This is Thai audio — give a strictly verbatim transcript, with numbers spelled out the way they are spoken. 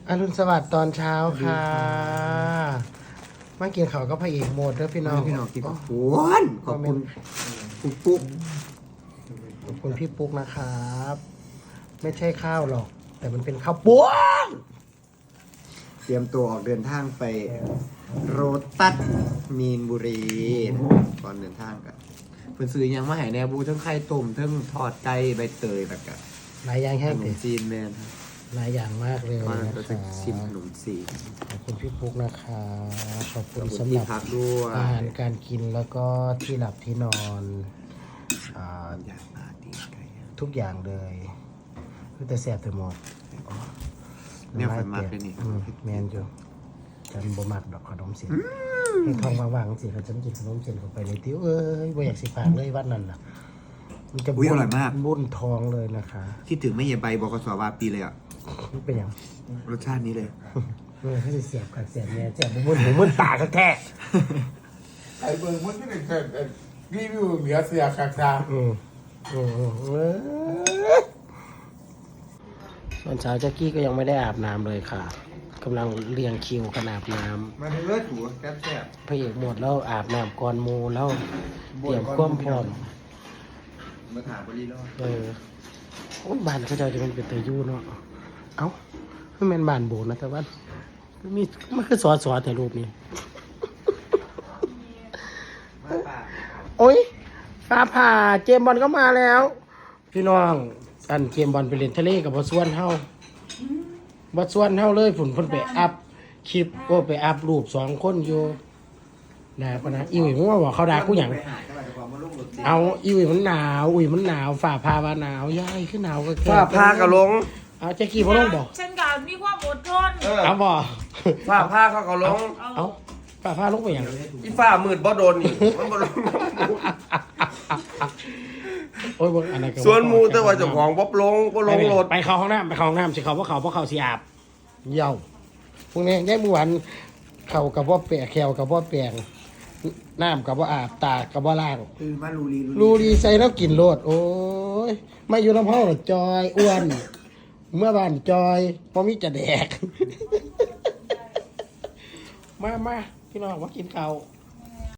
อรุณสวัสดิ์ตอนเช้าค่ะมากินข้าวก็พระเอกโหมดเด้อพี่น้องพี่น้องกินขอบคุณขอบคุณปุ๊กปุ๊กขอบคุณพี่ปุ๊กนะครับ ไม่ใช่ข้าวหรอก แต่มันเป็นข้าวป้วงเตรียมตัวออกเดินทางไปโรตัสมีนบุรีก่อนเดินทางกันเพิ่นซื้อยังมาให้แนวบูทั้งไข่ต้มทั้งทอดไก่ใบเตยแบบกับหลายอย่างขแห้งนเด็มดจีนแมนครับหลายอย่างมากเลยว่านะเราคจะรับชิมขนมจีนขอบคุณพี่ปุ๊กนะครับขอบคุขณอบคุณสำหที่รับพักด้วยอาหารการกินแล้วก็ที่หลับที่นอนอ่าอยากมาตีไก่ทุกอย่างเลยคือแต่แสบแต่หมดเนี่ยไฟมากเลยนี่อืมแมนอยู่ฉันบ่มักดอกขนมเสียนให้ท้องว่างๆสิเขาฉันกินขนมเสียนเข้าไปในติ้วเอ้ยบ่อยากสิฝากเลยวันนั้นน่ะมันจะอุ้ยอร่อยมากบุ่นท้องเลยนะคะคิดถึงไม่เย็นใบบกสวาปีเลยอ่ะมันเป็นอย่างรสชาตินี้เลยเออเขาจะเสียบกับเสียบเนี่ยเสียบบุ่นหูมึนตาแท้ไอ้เบิร์มันไม่ได้เกิดรีวิวเหลือเสียคาคาๆอืมอืมอืมเออส่วนเช้าแจ็กกี้ก็ยังไม่ได้อาบน้ำเลยค่ะกำลังเรียงคิวกันอาบน้ำมาเลือดหัวแซ่บแซ่บพระเอกหมดแล้วอาบน้ำก่อนหมูแล้วเตรียมความพร้อมมาถามบริโภคเออโอ้ยบ้านเขาเจ้าจะเป็นเป็นเตยยูเนาะเอ้าไม่เป็นบ้านโบสถ์นะแต่ว่ามีมันคือสอสอแต่รูปนี้มาป่าโอ้ยฟ้าผ่าเจมส์บอลก็มาแล้ว พี่น้องอันเจมส์บอลไปเล่นทะเลกับบอสวนเฮาบอสวนเฮาเลยฝนเพิ่นไปอัพคลิปโอ้ไปอัพรูปสองคนอยู่ด่าปะนะอีวิมึงว่าบอกเขาด่ากูหยังไปหาจังหวัดความมาลุ่มหลุดสิเอาอีวิมันหนาวอุ้ยมันหนาวฝ่าพาว่าหนาวยายขึ้นหนาวก็แค่ฝ้าผ้ากระลงเอาแจ็คกี้พ่อลงบอกฉันกับมีความอดทนเออเอาบอกฝ้าผ้าเขากระลงเอาฝ่าพาลงไปอย่างอีฝ้ามืดบ่โดนนี่มันบ่ลงโอ้ยบ่อันนั้นก็ส่วนหมูแต่ว่าเจ้าของบ่ลงบ่ลงรถไปเข้าห้องน้ำไปเข้าห้องน้ำสิเขาว่าเขาเพราะเขาสีอาบเย่าพวกนี้ได้เมื่อวานเขากับว่าแปะแขวกับว่าแปลงน้ำกับว่าอาบตากับว่าล่างคือมาลูรีรูดีใส่แล้วกินโลดโอ้ยไม่อยู่ลำห้องหรอกจอยอ้วน เมื่อบ้านจอยพอมีจะแดก มามาพี่น้องมากินข้าว